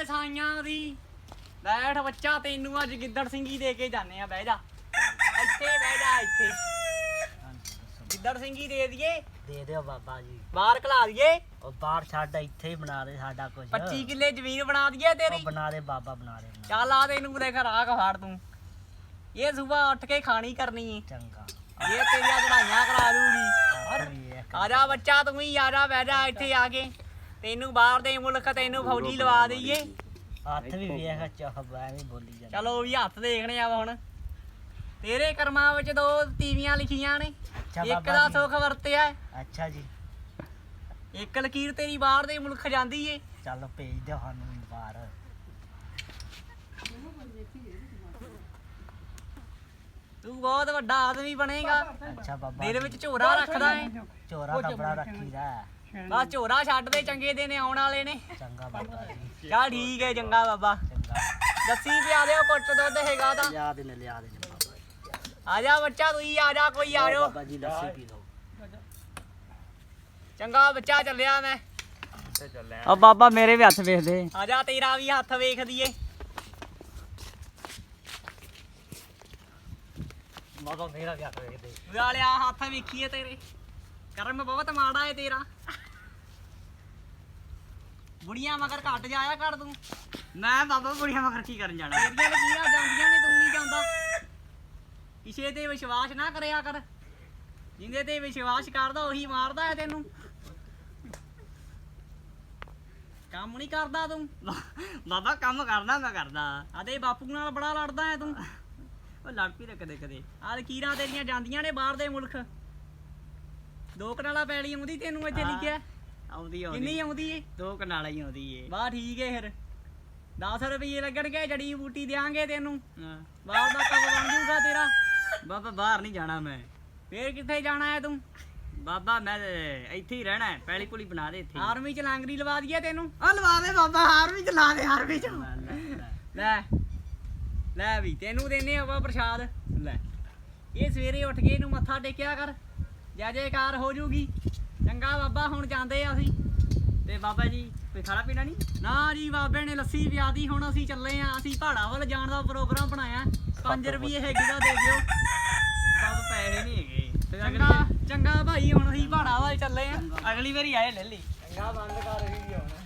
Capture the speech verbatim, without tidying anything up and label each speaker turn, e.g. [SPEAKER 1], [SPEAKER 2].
[SPEAKER 1] ਓਏ ਸਾਈਆਂ ਦੀ ਬੈਠ ਬੱਚਾ, ਤੈਨੂੰ ਅੱਜ ਗਿੱਦੜ ਸਿੰਘੀ ਦੇ ਕੇ ਜਾਣੇ ਆ। ਬਹਿ ਜਾ ਇੱਥੇ, ਬਹਿ ਜਾ ਇੱਥੇ। ਗਿੱਦੜ ਸਿੰਘੀ ਦੇ ਦਈਏ?
[SPEAKER 2] ਦੇ ਦਿਓ ਬਾਬਾ ਜੀ।
[SPEAKER 1] ਬਾਹਰ ਖਲਾ ਦਈਏ?
[SPEAKER 2] ਉਹ ਬਾਹਰ ਛੱਡ, ਇੱਥੇ ਹੀ ਬਣਾ ਦੇ ਸਾਡਾ ਕੁਝ।
[SPEAKER 1] ਪੱਚੀ ਕਿੱਲੇ ਜ਼ਮੀਨ ਬਣਾ ਦਈਏ ਤੇਰੀ?
[SPEAKER 2] ਬਣਾ ਦੇ ਬਾਬਾ, ਬਣਾ ਦੇ।
[SPEAKER 1] ਚੱਲ ਆ ਤੈਨੂੰ ਦੇਖ ਰਾਹ ਫਾੜ ਤੂੰ। ਇਹ ਸੁਬਾ ਉੱਠ ਕੇ ਖਾਣੀ ਕਰਨੀ ਏ।
[SPEAKER 2] ਚੰਗਾ।
[SPEAKER 1] ਇਹ ਤੇਰੀਆਂ ਚੜਾਈਆਂ ਕਰਾ ਦੂਗੀ। ਆ ਜਾ ਬੱਚਾ, ਤੂੰ ਹੀ ਆ ਜਾ, ਬਹਿ ਜਾ ਇੱਥੇ ਆ ਕੇ। ਤੈਨੂੰ ਬਾਹਰ ਦੇ ਮੁਲਕ ਤੈਨੂੰ ਫੌਜੀ ਲਵਾ ਦਈਏ।
[SPEAKER 2] ਹੱਥ ਵੀ ਵੇਖ ਚਾਹ ਐਵੇਂ ਬੋਲੀ ਜਾਂਦਾ।
[SPEAKER 1] ਚਲੋ ਵੀ ਹੱਥ ਦੇਖਣੇ ਆ ਹੁਣ। ਤੇਰੇ ਕਰਮਾਂ ਵਿੱਚ ਦੋ ਤੀਵੀਆਂ ਲਿਖੀਆਂ ਨੇ, ਇੱਕ ਦਾ ਸੁੱਖ ਵਰਤਿਆ।
[SPEAKER 2] ਅੱਛਾ ਜੀ।
[SPEAKER 1] ਇੱਕ ਲਕੀਰ ਤੇਰੀ ਬਾਹਰ ਦੇ ਮੁਲਕ ਜਾਂਦੀ ਏ।
[SPEAKER 2] ਚੱਲ ਭੇਜ ਦਿਓ ਸਾਨੂੰ ਬਾਹਰ।
[SPEAKER 1] ਤੂੰ ਬਹੁਤ ਵੱਡਾ ਆਦਮੀ ਬਣੇਗਾ।
[SPEAKER 2] ਅੱਛਾ ਬਾਬਾ।
[SPEAKER 1] ਦਿਲ ਵਿੱਚ ਝੋਰਾ ਰੱਖਦਾ ਏ।
[SPEAKER 2] ਝੋਰਾ ਤਾਂ ਬੜਾ ਰੱਖੀਦਾ।
[SPEAKER 1] ਬਸ ਝੋਰਾ ਛੱਡ ਦੇ, ਚੰਗੇ ਦਿਨ ਆਉਣ ਵਾਲੇ ਨੇ।
[SPEAKER 2] ਚੰਗਾ ਬਾਬਾ ਜੀ।
[SPEAKER 1] ਚੱਲ ਠੀਕ ਏ, ਚੰਗਾ ਬਾਬਾ।
[SPEAKER 2] ਚੰਗਾ।
[SPEAKER 1] ਲੱਸੀ ਪਿਆ ਦਿਓ, ਕੁੱਟ ਦੁੱਧ ਹੈਗਾ ਤਾਂ।
[SPEAKER 2] ਲਿਆ ਦੇ ਨੇ, ਲਿਆ ਦੇ ਨੇ ਬਾਬਾ ਜੀ।
[SPEAKER 1] ਆ ਜਾ ਬੱਚਾ, ਤੂੰ ਹੀ ਆ ਜਾ, ਕੋਈ ਆ ਜਾਓ।
[SPEAKER 2] ਬਾਬਾ ਜੀ ਲੱਸੀ ਪੀ ਲਓ।
[SPEAKER 1] ਚੰਗਾ ਬੱਚਾ, ਚੱਲਿਆ ਮੈਂ।
[SPEAKER 3] ਆ ਬਾਬਾ ਮੇਰੇ ਵੀ ਹੱਥ ਵੇਖ ਦੇ।
[SPEAKER 1] ਆ ਜਾ, ਤੇਰਾ ਵੀ ਹੱਥ ਵੇਖ ਦਈਏ।
[SPEAKER 2] ਬਾਬਾ ਮੇਰਾ ਵੀ ਹੱਥ ਵੇਖ ਦੇ।
[SPEAKER 1] ਵਾਲਿਆ ਹੱਥ ਵੇਖੀਏ ਤੇਰੇ। ਕਰਮ ਬਹੁਤ ਮਾੜਾ ਏ ਤੇਰਾ। ਬੁੜੀਆਂ ਮਗਰ ਘੱਟ ਜਾਇਆ ਕਰ ਤੂੰ।
[SPEAKER 3] ਮੈਂ ਬਾਬਾ ਬੁੜੀਆਂ ਮਗਰ ਕੀ ਕਰਨ ਜਾਣਾ?
[SPEAKER 1] ਤੇਰੀਆਂ ਲਕੀਰਾਂ ਜਾਂਦੀਆਂ ਨੇ, ਤੂੰ ਨਹੀਂ ਜਾਂਦਾ। ਕਿਸੇ ਤੇ ਵਿਸ਼ਵਾਸ ਨਾ ਕਰਿਆ ਕਰ। ਜਿੰਦੇ ਤੇ ਵਿਸ਼ਵਾਸ ਕਰਦਾ ਉਹੀ ਮਾਰਦਾ ਹੈ ਤੈਨੂੰ। ਕੰਮ ਨਹੀਂ ਕਰਦਾ ਤੂੰ।
[SPEAKER 3] ਬਾਬਾ ਕੰਮ ਕਰਦਾ ਮੈਂ ਕਰਦਾ।
[SPEAKER 1] ਆਦੇ ਬਾਪੂ ਨਾਲ ਬੜਾ ਲੜਦਾ ਹੈ ਤੂੰ।
[SPEAKER 3] ਉਹ ਲੜ ਪਈ ਤੇ ਕਦੇ ਕਦੇ।
[SPEAKER 1] ਆਹ ਲਕੀਰਾਂ ਤੇਰੀਆਂ ਜਾਂਦੀਆਂ ਨੇ ਬਾਹਰ ਦੇ ਮੁਲਕ। ਦੋ ਕਨਾਲਾ ਪੈਲੀ ਆਉਂਦੀ ਤੈਨੂੰ ਇੱਥੇ ਲਿਖਿਆ?
[SPEAKER 3] ਆਉਂਦੀ ਆਉਂਦੀ।
[SPEAKER 1] ਕਿੰਨੀ ਆਉਂਦੀ ਏ?
[SPEAKER 3] ਦੋ ਕਨਾਲਾ ਹੀ ਆਉਂਦੀ ਏ।
[SPEAKER 1] ਵਾਹ ਠੀਕ ਏ। ਫਿਰ ਦਸ ਰੁਪਏ ਲੱਗਣਗੇ, ਜੜੀ ਬੂਟੀ ਦਿਆਂਗੇ ਤੈਨੂੰ।
[SPEAKER 3] ਹਾਂ।
[SPEAKER 1] ਬਾਹਰ ਦਾ ਕੰਮ ਬਣ ਜੂਗਾ ਤੇਰਾ।
[SPEAKER 3] ਬਾਬਾ ਬਾਹਰ ਨਹੀਂ ਜਾਣਾ ਮੈਂ।
[SPEAKER 1] ਫੇਰ ਕਿੱਥੇ ਜਾਣਾ ਹੈ ਤੂੰ?
[SPEAKER 3] ਬਾਬਾ ਮੈਂ ਇੱਥੇ ਹੀ ਰਹਿਣਾ ਹੈ। ਪੈਲੀ ਪੁਲੀ ਬਣਾ ਦੇ ਇੱਥੇ।
[SPEAKER 1] ਆਰਮੀ ਚ ਲਾਂਗਰੀ ਲਵਾ ਦਈਏ ਤੈਨੂੰ?
[SPEAKER 3] ਆ ਲਵਾ ਦੇ ਬਾਬਾ, ਹਾਰ ਵੀ ਚਲਾ ਦੇ, ਹਾਰ ਵੀ ਚਲਾ।
[SPEAKER 1] ਲੈ ਲੈ ਵੀ ਤੈਨੂੰ ਦੇਨੇ ਆਪਾਂ ਪ੍ਰਸ਼ਾਦ। ਲੈ ਇਹ ਸਵੇਰੇ ਉੱਠ ਕੇ ਇਹਨੂੰ ਮੱਥਾ ਟੇਕਿਆ ਕਰ, ਜੈ ਜੈਕਾਰ ਹੋ ਜੂਗੀ। ਚੰਗਾ ਬਾਬਾ, ਹੁਣ ਜਾਂਦੇ ਆ ਅਸੀਂ।
[SPEAKER 3] ਤੇ ਬਾਬਾ ਜੀ ਕੋਈ ਖਾਣਾ ਪੀਣਾ ਨਹੀਂ?
[SPEAKER 1] ਨਾ ਜੀ, ਬਾਬੇ ਨੇ ਲੱਸੀ ਪਿਆਦੀ। ਹੁਣ ਅਸੀਂ ਚੱਲੇ ਆ। ਅਸੀਂ ਪਹਾੜਾਂ ਵੱਲ ਜਾਣ ਦਾ ਪ੍ਰੋਗਰਾਮ ਬਣਾਇਆ। ਪੰਜ ਰੁਪਏ ਹੈਗੇ ਦਾ ਦੇ ਦਿਓ।
[SPEAKER 3] ਬਾਬਾ ਪੈਸੇ ਨਹੀਂ ਹੈਗੇ।
[SPEAKER 1] ਚੰਗਾ ਚੰਗਾ ਭਾਈ, ਹੁਣ ਅਸੀਂ ਪਹਾੜਾਂ ਵੱਲ ਚੱਲੇ ਆ।
[SPEAKER 3] ਅਗਲੀ ਵਾਰੀ ਆਏ ਲੈ ਲਈ।
[SPEAKER 1] ਚੰਗਾ ਬੰਦ ਕਰ ਰਹੀ ਹੁਣ।